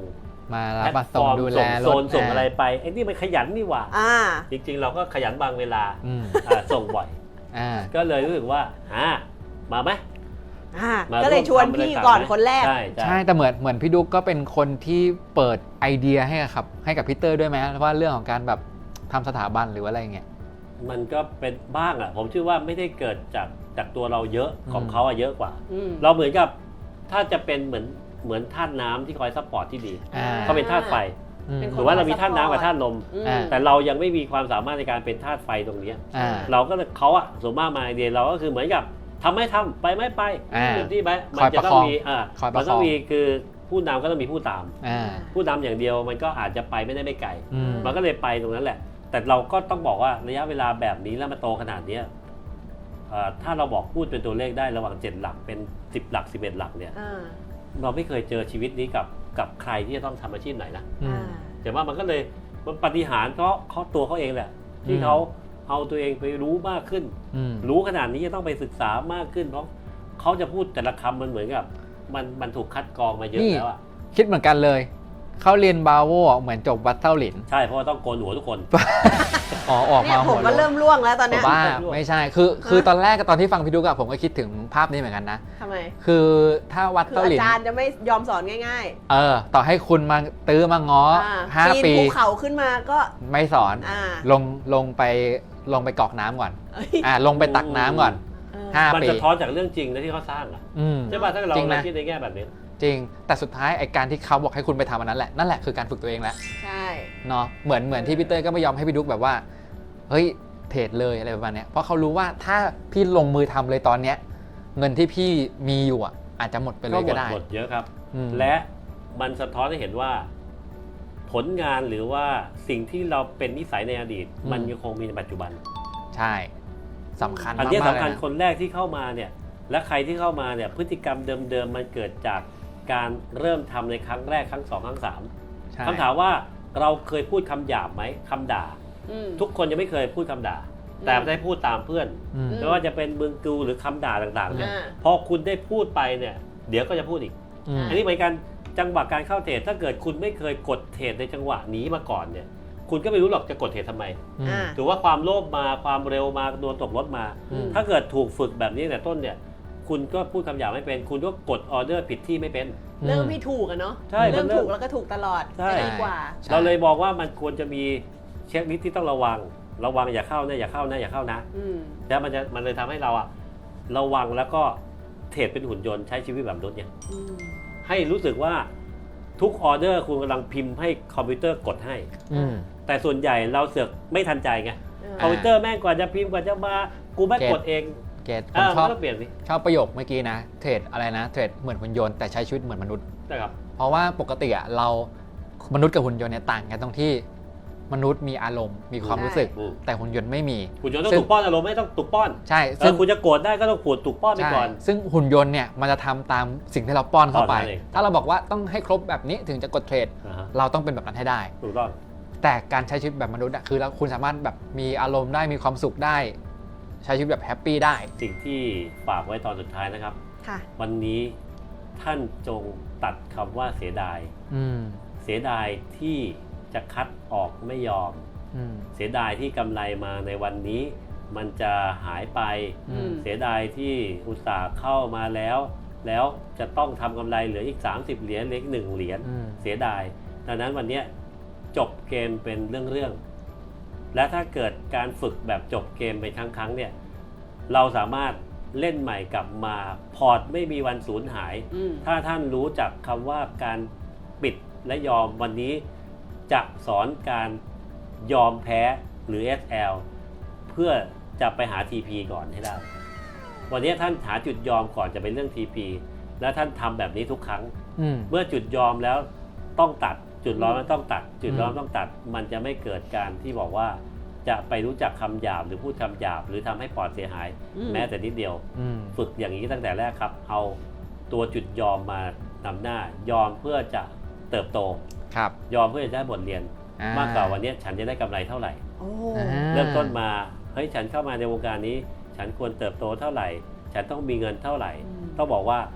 C: มา
B: แพ
C: รับ
B: ล
C: มา
B: ตฟ
C: ส่ง
B: อร์ม
C: ดูแล
B: ส่งโซน
C: รถ
B: ส่งอะไรไปไอ้นี่มันขยันนี่หว่า
A: อ่า
B: จริงๆ เราก็ขยันบางเวลา
C: อืม
B: อ่าส่งบ่อย
C: อ่า
B: ก็เลยรู้สึกว่าอ่ามาไหม
A: อ่า
B: มา
A: ก็เลยชวนพี่ก่อนคนแรก
B: ใช่
C: ใช่แต่เหมือนเหมือนพี่ดุ๊กก็เป็นคนที่เปิดไอเดียให้กับครับให้กับพีเตอร์ด้วยไหมว่าเรื่องของการแบบทำสถาบันหรือว่าอะไรเงี้ย
B: มันก็เป็นบ้างอ่ะผมเชื่อว่าไม่ได้เกิดจากจากตัวเราเยอะของ
C: อืม
B: เขาอะเยอะกว่า
A: อืม
B: เราเหมือนกับถ้าจะเป็นเหมือนเหมือนธาตุน้ำที่คอยซัพพอร์ตที่ดี
C: อ่า
B: เขาเป็นธาตุไฟ
C: อืม
A: เป็น
B: หรือว่าเรามีธาตุน้ำกับธาตุลม
A: อืม
C: อ่า
B: แต่เรายังไม่มีความสามารถในการเป็นธาตุไฟตรงเนี้ย
C: อ่า
B: เราก็เลยเขาอะส่วนมากมาไอเดียเราก็คือเหมือนกับทำไม่ทำไปไม่ไป
C: อ่า
B: เต็มที่ไปมั
C: คอย
B: จะ
C: ประ
B: ต้
C: ค
B: อ
C: อง ง
B: มีอ่า
C: คอยประ
B: มันต้อง
C: คอง
B: มีคือผู้นำก็ต้องมีผู้ตาม
C: อ่า
B: ผู้นำอย่างเดียวมันก็อาจจะไปไม่ได้ไม่ไกล
C: อืม
B: มันก็เลยไปตรงนั้นแหละ แต่เราก็ต้องบอกว่าระยะเวลาแบบนี้แล้วมาโตขนาดเนี้ยเอ่อถ้าเราบอกพูดเป็นตัวเลขได้ระหว่างเจ็ดหลักเป็นสิบหลักสิบเอ็ดหลักเนี่ย
A: อ่า
B: เราไม่เคยเจอชีวิตนี้กับกับใครที่จะต้องทำอาชีพไหนนะ
C: อื
A: อ่าม
B: แต่ว่ามันก็เลยมันปาฏิหาริย์เพราะเขาตัวเขาเองแหละ ที่
C: อืม
B: เขาเอาตัวเองไปรู้มากขึ้น
C: อืม
B: รู้ขนาดนี้จะต้องไปศึกษามากขึ้น เพราะเขาจะพูดแต่ละคำมันเหมือนกับ มันมันถูกคัดกรองมาเยอะแล้วอ่ะ
C: คิดเหมือนกันเลย เขาเรียนบาโวเหมือนจบวัดเต้าหลิน
B: ใช่เพราะว่าต้องโกนหัวทุกคน
C: อ๋อออก
A: เนี่
C: มาย
A: ผ
C: หั
A: ม
C: ว
A: ก็
C: โล้
A: เริ่
C: น
A: มล่วงแล้วตอนเนี้ย
C: บ้า
B: ร่วง
C: ไม่ใช่ คือคือ
A: ฮะ
C: ตอนแรกตอนที่ฟังพี่ดุ๊กอะผมก็คิดถึงภาพนี้เหมือนกันนะ
A: ทำไม
C: คือถ้าวัด
A: คือ
C: เต้าหลิ
A: อาน จารย์จะไม่ยอมสอนง่าย
C: เออ ต่อให้คุณมาตื้อมาง้อ
A: ๆอ่า
C: ห้า
A: ปีน
C: ปี
A: ภูเขาขึ้นมาก็
C: ไม่สอน
A: อ่า
C: ลงลงไปลงไปกรอกน้ำก่อน
A: เอ้ย
C: อ่าลงไปตักน้ำก่อน
A: เออ
C: ห้า
B: มัน
C: ปี
B: สะท้อนจากเรื่องจริงนะที่เขาสร้างอ่ะ
C: อืม
B: ใช่ป่ะถ้าเรา
C: จริงนะ
B: เราคิดในแง่แบบนี้
C: จริง แต่สุดท้ายไอการที่เขาบอกให้คุณไปทำอันนั้นแหละ นั่นแหละคือการฝึกตัวเองแหละ
A: ใช่
C: เนาะ เหมือนเหมือนที่พี่เต้ยก็ไม่ยอมให้พี่ดุ๊กแบบว่า เฮ้ย เทรดเลยอะไรประมาณเนี้ย เพราะเขารู้ว่าถ้าพี่ลงมือทำเลยตอนเนี้ย เงินที่พี่มีอยู่อ่ะ อาจจะหมดไปเล
B: ก็
C: ย
B: หม
C: ก็
B: ด
C: ได้
B: หมดเยอะครับ
C: อืม
B: และมันสะท้อนให้เห็นว่า ผลงานหรือว่าสิ่งที่เราเป็นนิสัยในอดีต มันยังคงมีในปัจจุบัน
C: ใช่สำคัญ
B: อัน
C: มาก
B: นี้
C: ๆ
B: สำคัญ
C: เลยนะ
B: คนแรกที่เข้ามาเนี่ย และใครที่เข้ามาเนี่ยพฤติกรรมเดิมๆมันเกิดจากการเริ่มทำในครั้งแรกครั้งสองครั้งสาม
C: ใช่
B: คำถามว่าเราเคยพูดคำหยาบไหมคำด่า
A: อืม
B: ทุกคนยังไม่เคยพูดคำด่า
A: อืม
B: แต่ได้พูดตามเพื่อน
C: อืม
B: ไม่ว่าจะเป็นมึงกูหรือคำด่าต่างๆเนี่ย
A: อ่า
B: พอคุณได้พูดไปเนี่ย เดี๋ยวก็จะพูดอีก
C: อืม
B: อันนี้เหมือนกันจังหวะการเข้าเทรดถ้าเกิดคุณไม่เคยกดเทรดในจังหวะนี้มาก่อนเนี่ย คุณก็ไม่รู้หรอกจะกดเทรดทำไม
C: อืม
A: อ่า
B: ถือว่าความโลภมาความเร็วมาโดนตกรถมา
C: อืม
B: ถ้าเกิดถูกฝึกแบบนี้แต่ต้นเนี่ย คุณก็พูดคำหยาบไม่เป็น คุณก็กดออเดอร์ผิดที่ไม่เป็น
A: เริ่มไม่ถูกอะเนาะ
B: ใช่
A: เริ่ม
B: มันเริ่ม
A: ถูกแล้วก็ถูกตลอด
B: ใช่
A: จะดีกว่า
C: ใช่
B: เราเลยบอกว่ามันควรจะมีเช็คลิสต์ที่ต้องระวัง ระวังอย่าเข้านะอย่าเข้านะอย่าเข้านะ
A: อืม
B: แล้วมันจะมันเลยทำให้เราอะระวังแล้วก็เทรดเป็นหุ่นยนต์ใช้ชีวิตแบบมนุษย์เนี่ย
A: อืม
B: ให้รู้สึกว่าทุกออเดอร์คุณกำลังพิมพ์ให้คอมพิวเตอร์กดให้
C: อืม
B: แต่ส่วนใหญ่เราเสือกไม่ทันใจไง
A: เออ
B: คอมพิวเตอร์แม่งกว่าจะพิมพ์กว่าจะมากูแม่งกดเอง
C: เกตผ
B: อ่าม
C: ช
B: มั
C: อน บ
B: ก็เปลี่ยนสิ
C: ชอบประโยคเมื่อกี้นะ เทรดอะไรนะ เทรดเหมือนหุ่นยนต์แต่ใช้ชีวิตเหมือนมนุษย์
B: นะครับ
C: เพราะว่าปกติอะเรามนุษย์กับหุ่นยนต์เนี่ยต่างกันตรงที่มนุษย์มีอารมณ์มีความรู้สึก
B: อืม
C: แต่หุ่นยนต์ไม่มี
B: คุณยนต์ต้อ
C: ซึ่
B: ง
C: ง
B: ถูกป้อนอารมณ์ไม่ต้องถูกป้อน
C: ใช่
B: เอ
C: ซึ่
B: อง คุณจะโกรธได้ก็ต้องขูดถูกป้อนไป
C: ใช่
B: ก่อน
C: ซึ่งหุ่นยนต์เนี่ยมันจะทำตามสิ่งที่เราป้อนเข้าไป
B: ป้อนนั่นเอง
C: ถ้าเราบอกว่าต้องให้ครบแบบนี้ถึงจะกดเทรด
B: อ่าฮะ
C: เราต้องเป็นแบบนั้นให้ได้
B: ถูกต้อง
C: แต่การใช้ชีวิตแบบมนุษย์อะคือเราคุณสามารถแบบมีอารมณ์ได้มีความสุขได้ ใช้ชีวิตแบบแฮปปี้ได้
B: สิ่งที่ฝากไว้ตอนสุดท้ายนะครับ
A: ค่ะ
B: วันนี้ท่านจงตัดคำว่าเสียดาย
C: อืม
B: เสียดายที่จะคัดออกไม่ยอม
C: อืม
B: เสียดายที่กำไรมาในวันนี้ มันจะหายไป
C: อืม
B: เสียดายที่อุตสาห์เข้ามาแล้ว แล้วจะต้องทำกำไรเหลืออีก สามสิบ เหรียญเหลืออีกหนึ่งเหรียญ
C: อืม
B: เสียดายดังนั้นวันเนี้ยจบเกมเป็นเรื่องๆและถ้าเกิดการฝึกแบบจบเกมเป็นครั้งๆเนี่ยเราสามารถเล่นใหม่กลับมาพอร์ตไม่มีวันสูญหาย
A: อืม
B: ถ้าท่านรู้จักคำว่าการปิดและยอมวันนี้จะสอนการยอมแพ้หรือ เอส แอล เพื่อจะไปหา ที พี ก่อนให้ได้ วันนี้ท่านหาจุดยอมก่อนจะเป็นเรื่อง ที พี และท่านทำแบบนี้ทุกครั้ง
C: อืม
B: เมื่อจุดยอมแล้วต้องตัดจุดร้อนมันต้องตัด จุดร้อน
C: อืม
B: ต้องตัด มันจะไม่เกิดการที่บอกว่าจะไปรู้จักคำหยาบหรือพูดคำหยาบหรือทำให้ปอดเสียหาย
A: อืม
B: แม้แต่นิดเดียว
C: อืม
B: ฝึกอย่างนี้ตั้งแต่แรกครับ เอาตัวจุดยอมมานำหน้ายอมเพื่อจะเติบโต
C: ครับ
B: ยอมเพื่อจะได้บทเรียน
C: อ่
B: มากกว่าวันนี้ฉันจะได้กำไรเท่าไหร่
A: โอ้
C: อ่า
B: เริ่มต้นมาเฮ้ยฉันเข้ามาในวงการนี้ ฉันควรเติบโตเท่าไหร่ ฉันต้องมีเงินเท่าไหร่ ต้องบอกว่าถ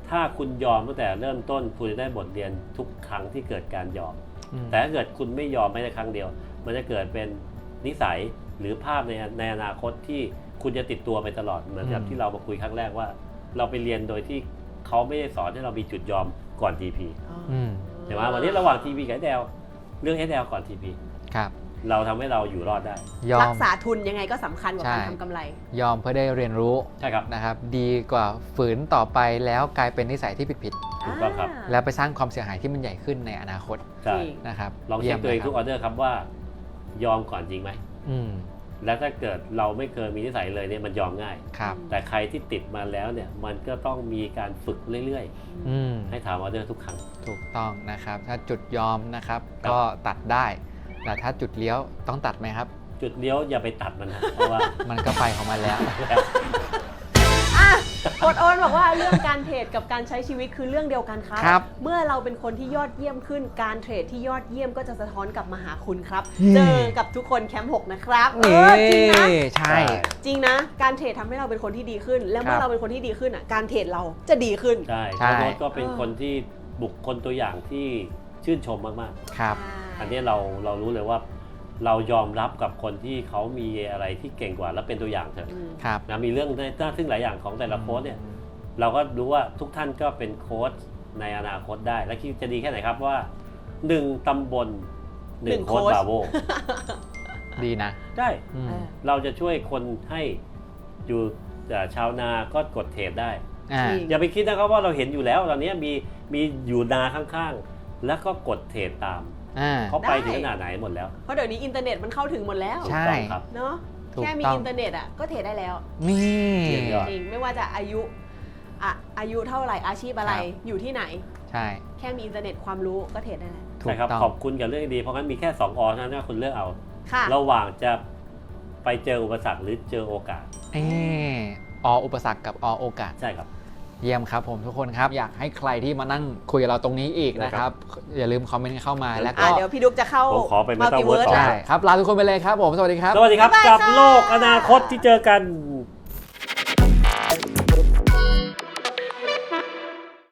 B: ถ้าคุณยอมตั้งแต่เริ่มต้นคุณจะได้บทเรียนทุกครั้งที่เกิดการยอม
C: อืม
B: แต่ถ้าเกิดคุณไม่ยอมแม้แต่ครั้งเดียว มันจะเกิดเป็นนิสัยหรือภาพในในอนาคตที่คุณจะติดตัวไปตลอดเหมือนกับที่เรามาคุยครั้งแรกว่า เราไปเรียนโดยที่เขาไม่ได้สอนให้เรามีจุดยอมก่อน ที พี
C: อืม
B: ใช่ไหมวันนี้ระหว่าง ที พี กับ เอส แอล เรื่อง เอส แอล ก่อน ที พี
C: ครับ
B: เราทำให้เราอยู่รอดได้
C: ยอ
A: รั
C: ม
A: กษาทุนยังไงก็สำคัญกว่าการ
C: ใช่
A: ทำกำไร
C: ยอมเพื่อได้เรียนรู้
B: ใช่ครับ
C: นะครับ ดีกว่าฝืนต่อไปแล้วกลายเป็นนิสัยที่ผิด
B: ถูกต้องครับ
C: ๆแล้วไปสร้างความเสียหายที่มันใหญ่ขึ้นในอนาคต
B: ใช่
A: จริง
C: นะครับ
B: ลองเช็คตัวเอง
C: ยี่ยม
B: ทุก
C: ล
B: อย อเดอร์ครับว่ายอมก่อนจริงไหม
C: อืม
B: และถ้าเกิดเราไม่เคยมีนิสัยเลยเนี่ยมันยอมง่าย
C: ครับ
B: แต่ใครที่ติดมาแล้วเนี่ยมันก็ต้องมีการฝึกเรื่อย
C: อืม
B: ๆ ให้ถามออเดอร์ทุกครั้ง
C: ถูกต้องนะครับ ถ้าจุดยอมนะครับ
B: ครับ
C: ก็ตัดได้ แต่ถ้าจุดเลี้ยวต้องตัดไหมครับ
B: จุดเลี้ยวอย่าไปตัดมันนะเพราะว่า
C: มันก็ไปของมันแล้ว
A: อ่ะกดโอนบอกว่าเรื่องการเทรดกับการใช้ชีวิตคือเรื่องเดียวกันครับ
C: ครับ
A: เมื่อเราเป็นคนที่ยอดเยี่ยมขึ้นการเทรดที่ยอดเยี่ยมก็จะสะท้อนกลับมาหาคุณครับ
C: นี่
A: เจอกับทุกคนแคมป์หกนะครับเอ
C: นี่
A: อจริงนะ
C: ใช่
A: จริงนะ การเทรดทำให้เราเป็นคนที่ดีขึ้น และเมื่
C: ค
A: อ
C: รับ
A: เราเป็นคนที่ดีขึ้นอ่ะการเทรดเราจะดีขึ้น
B: ใช่
C: ใช่
B: โค้ชก็เป็นคนที่บุคคลตัวอย่างที่ชื่นชมมาก
C: ครับ
B: ๆ อันนี้เราเรารู้เลยว่าเรายอมรับกับคนที่เขามีอะไรที่เก่งกว่าและเป็นตัวอย่างเถอะ
A: อืม
C: ครับ
B: นะมีเรื่องน่าทึ่งหลายอย่างของแต่ละโค้ชเนี่ยเราก็รู้ว่าทุกท่านก็เป็นโค้ชในอนาคตได้ และคิดจะดีแค่ไหนครับว่าหนึ่งตำบลหนึ่ง
A: หนึ่ง
B: โค้ช
A: โค้ช
B: บาโว
C: ดีนะ
B: ได้
C: อืม
A: เออ
B: เราจะช่วยคนให้อยู่เอ่อชาวนาก็กดเทรดได้
C: อ่า
A: จริง
B: อย่าไปคิดนะครับว่าเราเห็นอยู่แล้วตอนนี้มีมีอยู่นาข้างๆ แล้วก็กดเทรดตาม
C: อ่า
B: เขาไป
A: ได้
B: ถึงขนาดไหนหมดแล้ว
A: เพราะเดี๋ยวนี้อินเทอร์เน็ตมันเข้าถึงหมดแล้ว
C: ใช่
B: ถูกต้องครับ
A: เนาะ
C: ถูก
A: แค่มี
C: ต้อง
A: อินเทอร์เน็ตอ่ะก็เทรดได้แล้ว
C: นี่
B: เยี่ยมยอด
A: จริงไม่ว่าจะอายุอะอายุเท่าไหร่อาชีพอะไร
C: ครับ
A: อยู่ที่ไหน
C: ใช่
A: แค่มีอินเทอร์เน็ตความรู้ก็เทรดได้แล้ว
C: ถู
B: ใช่
C: ก
B: ครับ
C: ต้อง
B: ขอบคุณกับเรื่องดีเพราะงั้นมีแค่สองอเท่านั้นนะคุณเลือกเอา
A: ค่ะ
B: ระหว่างจะไปเจออุปสรรคหรือเจอโอกาส
C: เออออุปสรรคกับอโอกาส
B: ใช่ครับ
C: เยี่ยมครับผมทุกคนครับ อยากให้ใครที่มานั่งคุยกับเราตรงนี้อีกนะครับ อย่าลืมคอมเมนต์เข้ามาแล้วก็
A: อ่ะเดี๋ยวพี่ดุ๊กจะเข้า
B: ผมขอไป
A: Multiverse
B: Metaverse ต่อ
C: ใช่ครับลาทุกคนไปเลยครับผม สวัสดีครับ
B: สวัสดีครับ
A: บ๊ายบาย
B: กับ
A: ค่ะ
B: โลกอนาคตที่เจอกัน